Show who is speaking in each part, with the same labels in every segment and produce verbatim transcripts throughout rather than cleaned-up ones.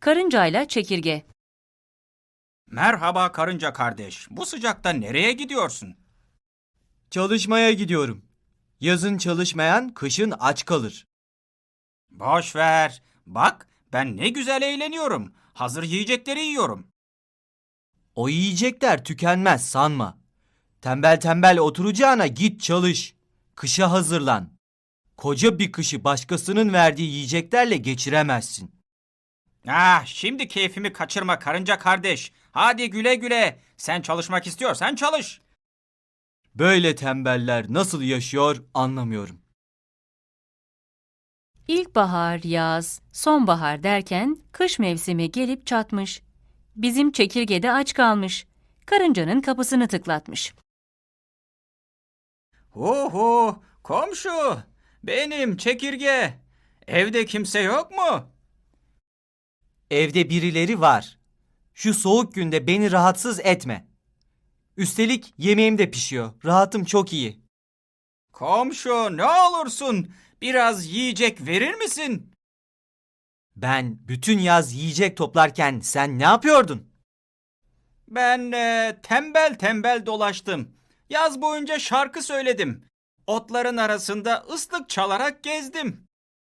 Speaker 1: Karıncayla çekirge.
Speaker 2: Merhaba karınca kardeş. Bu sıcakta nereye gidiyorsun?
Speaker 3: Çalışmaya gidiyorum. Yazın çalışmayan kışın aç kalır.
Speaker 2: Boş ver. Bak, ben ne güzel eğleniyorum. Hazır yiyecekleri yiyorum.
Speaker 3: O yiyecekler tükenmez sanma. Tembel tembel oturacağına git çalış. Kışa hazırlan. Koca bir kışı başkasının verdiği yiyeceklerle geçiremezsin.
Speaker 2: Ah, şimdi keyfimi kaçırma karınca kardeş. Hadi güle güle. Sen çalışmak istiyorsan çalış.
Speaker 3: Böyle tembeller nasıl yaşıyor anlamıyorum.
Speaker 1: İlkbahar, yaz, sonbahar derken kış mevsimi gelip çatmış. Bizim çekirge de aç kalmış. Karıncanın kapısını tıklatmış.
Speaker 2: Hu hu, komşu. Benim çekirge. Evde kimse yok mu?
Speaker 3: Evde birileri var. Şu soğuk günde beni rahatsız etme. Üstelik yemeğim de pişiyor. Rahatım çok iyi.
Speaker 2: Komşu, ne olursun biraz yiyecek verir misin?
Speaker 3: Ben bütün yaz yiyecek toplarken sen ne yapıyordun?
Speaker 2: Ben e, tembel tembel dolaştım. Yaz boyunca şarkı söyledim. Otların arasında ıslık çalarak gezdim.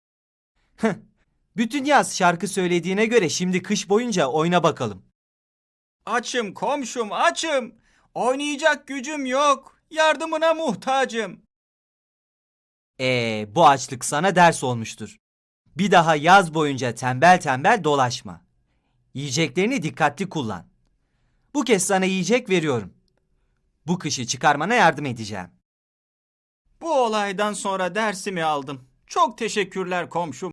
Speaker 3: Bütün yaz şarkı söylediğine göre şimdi kış boyunca oyna bakalım.
Speaker 2: Açım komşum, açım. Oynayacak gücüm yok. Yardımına muhtacım.
Speaker 3: Ee, bu açlık sana ders olmuştur. Bir daha yaz boyunca tembel tembel dolaşma. Yiyeceklerini dikkatli kullan. Bu kez sana yiyecek veriyorum. Bu kışı çıkarmana yardım edeceğim.
Speaker 2: Bu olaydan sonra dersimi aldım. Çok teşekkürler komşum.